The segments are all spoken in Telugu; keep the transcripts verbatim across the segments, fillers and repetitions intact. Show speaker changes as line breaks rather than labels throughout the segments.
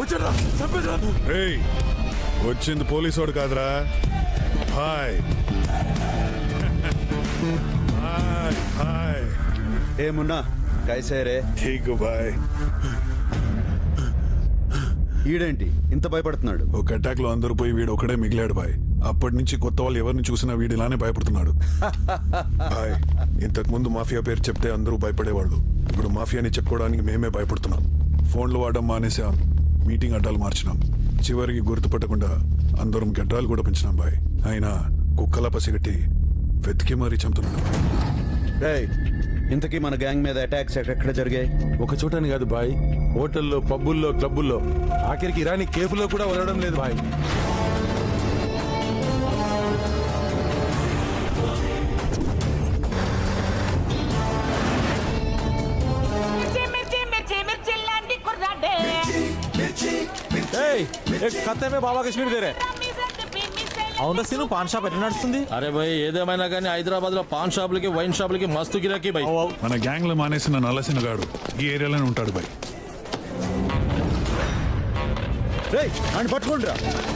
ఏయ్, వచ్చింది పోలీసోడు కాదురా. హాయ్ హాయ్ హాయ్
ఏ మున్నా కైసే రే?
ఠీక్ బాయ్.
ఈడేంటి ఇంత భయపడుతున్నాడు?
ఒక అటాక్ లో అందరూ పోయి వీడు ఒకడే మిగిలాడు బాయ్. అప్పటి నుంచి కొత్త వాళ్ళు ఎవరిని చూసినా వీడు ఇలానే భయపడుతున్నాడు బాయ్. ఇంతకు ముందు మాఫియా పేరు చెప్తే అందరూ భయపడేవాళ్ళు. ఇప్పుడు మాఫియాని చెప్పుకోవడానికి మేమే భయపడుతున్నాం. ఫోన్లు వాడడం మానేసాం, మీటింగ్ అడ్డాలు మార్చినాం. చివరికి గుర్తుపట్టకుండా అందరం గడ్డాలు కూడా పెంచినాం బాయ్. అయినా కుక్కలా పసిగట్టి వెతికి మరీ చంపుతున్నాడు.
రేయ్, ఇంతకీ మన గ్యాంగ్ మీద అటాక్స్ ఎక్కడ జరిగాయి?
ఒక చోటని కాదు బాయ్, హోటల్లో, పబ్బుల్లో, క్లబ్బుల్లో, ఆఖరికి ఇరానీ కేఫ్లో కూడా వదలడం లేదు బాయ్.
ఖత్తే మే బాబా కశ్మీర్ దేరే. అవునా సీను, పాన్ షాప్ ఎట్లా నడుస్తుంది?
అరే భయ్, ఏదేమైనా కానీ హైదరాబాద్ లో పాన్ షాపులకి, వైన్ షాపులకి మస్తు గిరాకీ భయ్.
మన గ్యాంగ్ లో మానేసిన నల్లసిన గాడు ఈ ఏరియాలోనే ఉంటాడు బాయ్.
రేయ్, అని పట్టుకోండి రా.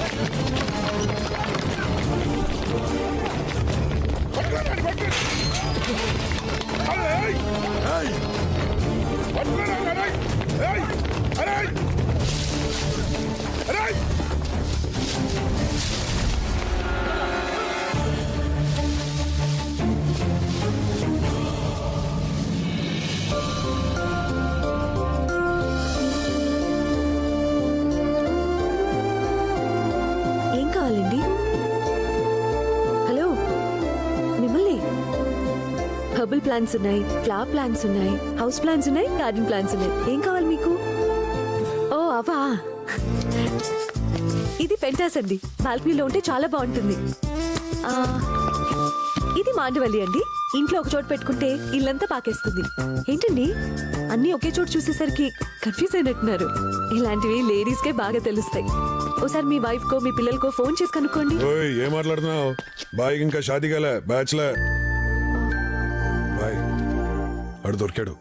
ఏం కావాలండి? హలో, మిమ్మల్ని. హెర్బల్ ప్లాంట్స్ ఉన్నాయి, ఫ్లవర్ ప్లాంట్స్ ఉన్నాయి, హౌస్ ప్లాంట్స్ ఉన్నాయి, గార్డెన్ ప్లాంట్స్ ఉన్నాయి. ఏం కావాలి మీకు? ఓ అవా, ఇది పెంటాస్ అండి. బాల్కనీలో ఉంటే చాలా బాగుంటుంది. ఆ, ఇది మాండవల్లి అండి. ఇంట్లో ఒక చోటు పెట్టుకుంటే ఇల్లంతా పాకేస్తుంది. ఏంటండి అన్నీ ఒకే చోటు చూసేసరికి కన్ఫ్యూజ్ అయినట్టున్నారు. ఇలాంటివి లేడీస్ కే బాగా తెలుస్తాయి. ఓసారి మీ వైఫ్ కో మీ పిల్లలకో ఫోన్ చేసి కనుక్కోండి.
ఓయ్, ఏం మాట్లాడుతున్నావు బాయ్? ఇంకా షాదీ కాలే, బ్యాచ్లర్ బాయ్. అడు దొరికాడు.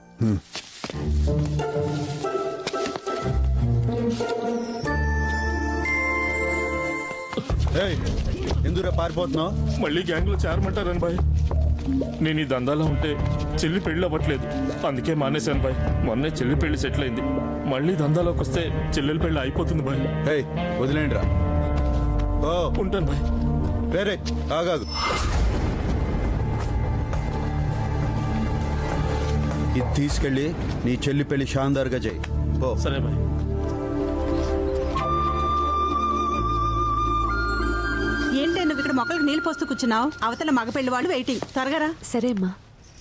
ఎందుకు పారిపోతున్నావు?
మళ్ళీ గ్యాంగ్ లో చేరమంటారని బాయ్. నేను ఈ దందాలో ఉంటే చెల్లి పెళ్లి అవ్వట్లేదు, అందుకే మానేశాను బాయ్. మొన్నే చెల్లి పెళ్లి సెటిల్ అయింది. మళ్ళీ దందాలోకి వస్తే చెల్లెల పెళ్లి అయిపోతుంది బాయ్.
ఏయ్, వదిలేండి రా. ఓ,
ఉంటాను బాయ్.
వేరే ఆగాదు. ఇది తీసుకెళ్ళి నీ చెల్లి పెళ్లి షాందార్గా చేయి. ఓ
సరే బాయ్.
ఏంటి నువ్వు ఇక్కడ మొక్కలకు నీళ్ళు పోస్తూ కూర్చున్నావు? అవతల మగ పెళ్లి వాళ్ళు వెయిటింగ్. త్వరగా.
సరే అమ్మా.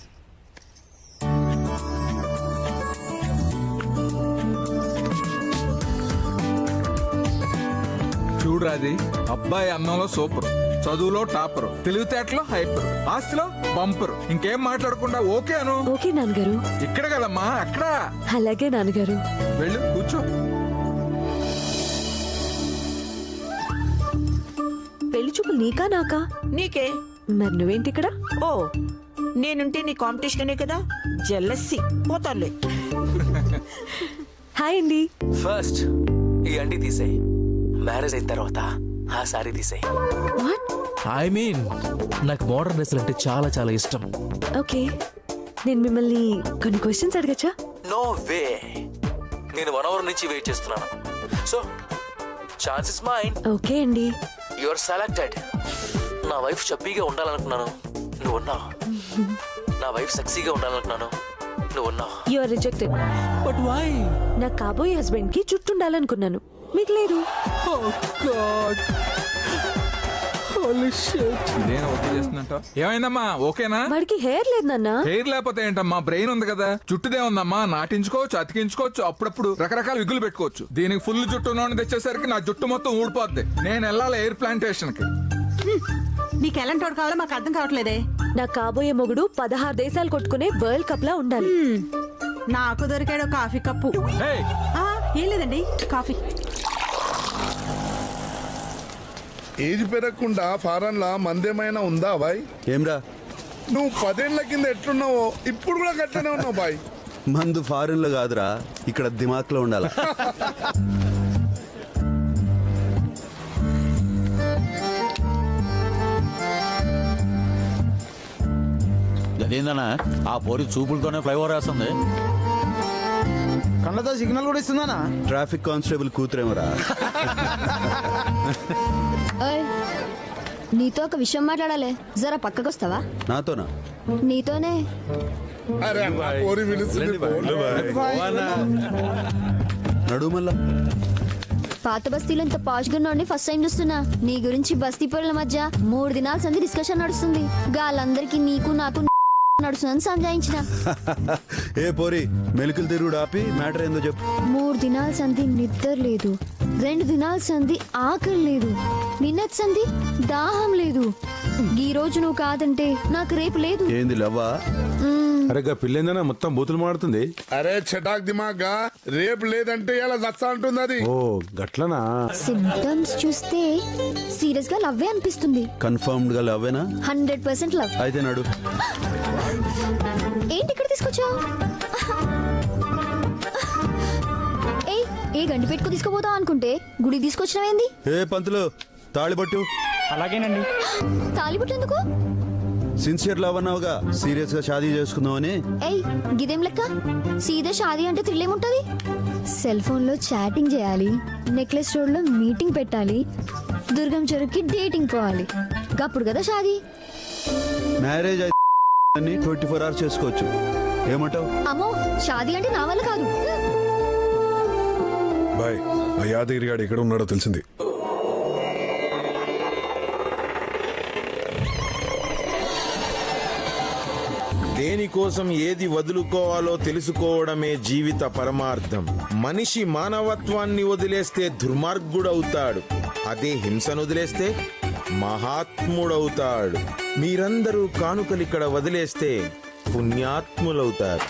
చూడరాది, అబ్బాయి అన్నంలో సూపర్, చదువులో టాపర్, తెలివితేటలో హైపర్, ఆస్తిలో బంపర్. ఇంకేం మాట్లాడకుండా ఓకే అను.
ఓకే నాన్నగారు.
ఇక్కడ కదమ్మా, అక్కడ.
అలాగే నాన్నగారు.
వెళ్ళు, కూర్చో.
పెళ్లి చూపులు నీకా నాకా?
నీకే.
మరి నువ్వేంటి ఇక్కడ?
ఓ, నేనుంటే నీ కాంపిటీషనే కదా. జెల్లస్సి పోతాలే.
హాయ్ అండి.
ఫస్ట్ ఈ అండి తీసేయి, మ్యారేజ్ అయిన తర్వాత ఆ సారీ తీసేయి.
వాట్?
ఐ మీన్ నాకు మోడర్న్ డ్రెస్సులు అంటే చాలా చాలా ఇష్టం.
ఓకే, నేను మిమ్మల్ని కొన్ని క్వశ్చన్స్ అడగచ్చా?
నో వే, నేను వన్ అవర్ నుంచి వెయిట్ చేస్తున్నాను. So chance is mine.
Okay అండి.
Your selected. నా వైఫ్ చప్పీగా ఉండాలనుకున్నాను, నువ్వు ఉన్నావు. నా వైఫ్ సెక్సీగా ఉండాలనుకున్నాను, నువ్వు ఉన్నావు.
You are rejected.
But why?
నా కాబోయే హస్బెండ్ కి జుట్టు ఉండాలనుకున్నాను, మీకు లేదు.
Oh God. Holy shit.
ఇదేనా ఓకే చేస్తున్నట్టు? ఏమైందమ్మా, ఓకేనా?
వాడికి హెయిర్ లేదు నాన్న.
హెయిర్ లేకపోతే ఏంటమ్మా, బ్రెయిన్ ఉంది కదా. జుట్టుదే ఉందమ్మా, నాటించుకోవచ్చు, అతికించుకోవచ్చు, అప్పుడప్పుడు రకరకాల విగులు పెట్టుకోవచ్చు. దీనికి ఫుల్ జుట్టు నోని తెచ్చేసరికి నా జుట్టు మొత్తం ఊడిపోద్ది. నేను వెళ్ళాలి ఎయిర్ ప్లాంటేషన్ కి.
నీకు ఎలాంటి వాడు కావాలో మాకు అర్థం కావట్లేదే.
నా కాబోయే మొగుడు పదహారు దేశాలు కొట్టుకునే వరల్డ్ కప్ లా ఉండాలి.
నాకు దొరికాడు కాఫీ కప్పు. ఆ, ఏం లేదండి, కాఫీ.
ఏజ్ పెరగకుండా ఫారెన్ లా మందేమైనా ఉందా బాయ్?
ఏమ్రా,
నువ్వు పదేళ్ల కింద ఎట్లున్నావో ఇప్పుడు కూడా గట్లనే ఉన్నావు బాయ్.
మందు ఫారెన్ లో కాదురా, ఇక్కడ దిమాక్ లో ఉండాలా. అదేందన్నా ఆ పోరి చూపులతోనే ఫ్లైఓవర్ వేస్తుంది.
కళ్ళతో సిగ్నల్ కూడా ఇస్తుందానా?
Traffic constable కూతురేమరా.
నీతో ఒక విషయం మాట్లాడాలి, జరా పక్కకొస్తావా?
నాతోనా?
నీతోనే.
అరే అన్న, పోరి పిలుస్తుంది, పో.
నడు మళ్ళా.
పాత బస్తీలో ఇంత పాష్ గున్నోడిని ఫస్ట్ టైం చూస్తున్నా. నీ గురించి బస్తీ పనుల మధ్య మూడు దినాల సంది డిస్కషన్ నడుస్తుంది. గాలందరికీ నీకు నాకు నడుస్తుందని సంజాయించిన.
ఏ పోరి, మెలికలు తిరుగుడు ఆపి మ్యాటర్ ఏందో చెప్పు.
మూడు దినాల సంధి నిద్ర లేదు, రెండు దినాల సంధి ఆకలి లేదు, నిన్నటి సంధి దాహం లేదు. ఈ రోజు నువ్వు కాదంటే నాకు రేపు లేదు.
ఏంది లవ్వా?
అరే గా పిల్లేందనా మొత్తం బూతులు మాడుతుంది.
అరే చటాక్ దిమాగ్గా రేపు లేదంటే ఇలా దస్తా అంటుంది అది.
ఓ గట్లనా?
సిమ్టమ్స్ చూస్తే సీరియస్ గా లవ్వే అనిపిస్తుంది.
కన్ఫర్మ్డ్ గా లవ్వేనా?
Hundred percent love.
అయితే నడు.
ఏంటి ఇక్కడ తీసుకొచ్చావు? ఏ ఏ గండి పెట్టుకు తీసుకుపోతావు అనుకుంటే గుడి తీసుకొచ్చినవేంది?
ఏ పంతులు, తాళిబట్టు.
అలాగేనండి.
తాలిబుట్టు ఎందుకు?
సిన్సియర్ లవ్ అన్నావుగా, సీరియస్ గా షాదీ చేసుకుందామని.
ఏయ్ గిదేం లెక్క? సీదా షాదీ అంటే థ్రిల్ ఏముంటది? సెల్ ఫోన్ లో చాటింగ్ చేయాలి, నెక్లెస్ రోడ్ లో మీటింగ్ పెట్టాలి, దుర్గం చెరువుకి డేటింగ్ పోవాలి, గప్పుడు కదా షాదీ.
మ్యారేజ్ అయితే ట్వంటీ ఫోర్ అవర్స్ చేసుకోవచ్చు. ఏమంటావు?
అమ్మో, షాదీ అంటే నా వల్ల కాదు.
బాయ్, ఆ యాదగిరి గాడు ఎక్కడ ఉన్నాడో తెలిసింది.
దేనికోసం ఏది వదులుకోవాలో తెలుసుకోవడమే జీవిత పరమార్థం. మనిషి మానవత్వాన్ని వదిలేస్తే దుర్మార్గుడవుతాడు, అదే హింసను వదిలేస్తే మహాత్ముడవుతాడు. మీరందరూ కానుకలిక్కడ వదిలేస్తే పుణ్యాత్ములవుతారు.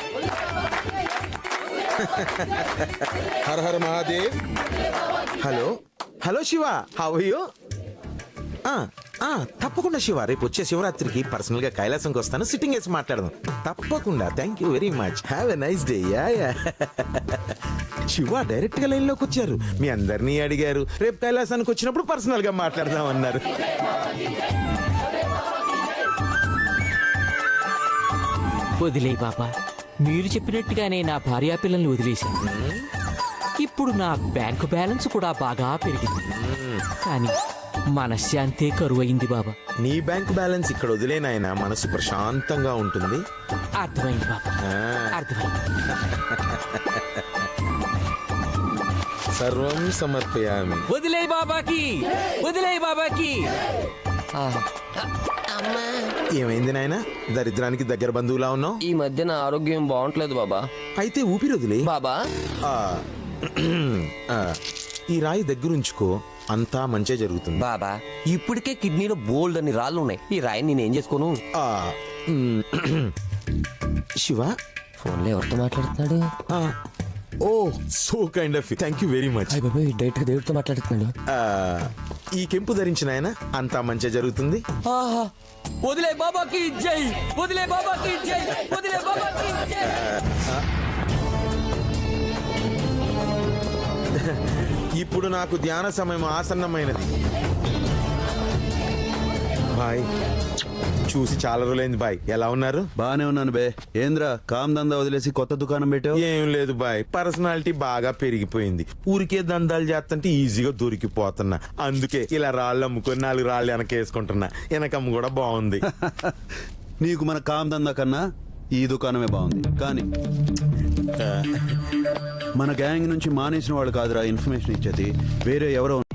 Hara Hara Mahadev. Hello hello Shiva, how are you? తప్పకుండా శివ, రేపు వచ్చే శివరాత్రికి పర్సనల్ గా కైలాసంకి వస్తాను, సిట్టింగ్ వేసి మాట్లాడదాం. తప్పకుండా. Thank you very much. Have a nice day. Yeah yeah. Shiva direct గా లైన్ లోకి వచ్చారు, మీ అందరినీ అడిగారు, రేపు కైలాసానికి వచ్చినప్పుడు పర్సనల్ గా మాట్లాడదాం అన్నారు.
వదిలే బాబా, మీరు చెప్పినట్టుగానే నా భార్యా పిల్లల్ని వదిలేశాను. ఇప్పుడు నా బ్యాంకు బ్యాలెన్స్ కూడా బాగా పెరిగింది, కానీ మనశ్శాంతే కరువైంది బాబా.
నీ బ్యాంక్ బ్యాలెన్స్ ఇక్కడ వదిలేనాయన, మనసు ప్రశాంతంగా ఉంటుంది.
అర్థమైంది బాబా, అర్థమైంది.
సర్వం సమర్పయామి.
వదిలే బాబాకి, వదిలే బాబాకి.
ఏమైంది నాయన, దరిద్రానికి దగ్గర బంధువులా ఉన్నావు?
ఈ మధ్య నా ఆరోగ్యం బాగుంటలేదు బాబా.
అయితే ఊపిరి వదిలే
బాబా.
ఆ, ఆ, ఈ రాయి దగ్గరుంచుకో, అంతా మంచే జరుగుతుంది.
బాబా, ఇప్పటికే కిడ్నీలో బోల్డ్ అని రాళ్ళు ఉన్నాయి, ఈ రాయి నేనేం చేసుకోను?
ఆ, మ్, శివ
ఫోన్లో ఎవరితో మాట్లాడుతున్నాడు?
ఆ, oh so kind of, thank you very much.
Direct దేవుడితో మాట్లాడుతున్నాడు.
ఈ కెంపు ధరించిన ఆయన అంతా మంచి జరుగుతుంది.
ఆహా, వదిలే బాబాకి జై, వదిలే బాబాకి జై, వదిలే బాబాకి జై.
ఇప్పుడు నాకు ధ్యాన సమయం ఆసన్నమైనది. బాయ్, చూసి చాలా రోజులైంది బాయ్, ఎలా ఉన్నారు?
బానే ఉన్నాను బే. ఏంద్రా కామ్ దందా వదిలేసి కొత్త దుకాణం పెట్టావు?
ఏం లేదు బాయ్, పర్సనాలిటీ బాగా పెరిగిపోయింది. ఊరికే దందాలు చేస్తుంటే ఈజీగా దొరికిపోతున్నా, అందుకే ఇలా రాళ్ళు అమ్ముకొని నాలుగు రాళ్ళు వెనకేసుకుంటున్నా. వెనకమ్మ కూడా బాగుంది.
నీకు మన కామ్ దందా కన్నా ఈ దుకాణమే బాగుంది. కానీ మన గ్యాంగ్ నుంచి మానేసిన వాళ్ళు కాదురా ఇన్ఫర్మేషన్ ఇచ్చేది, వేరే ఎవరో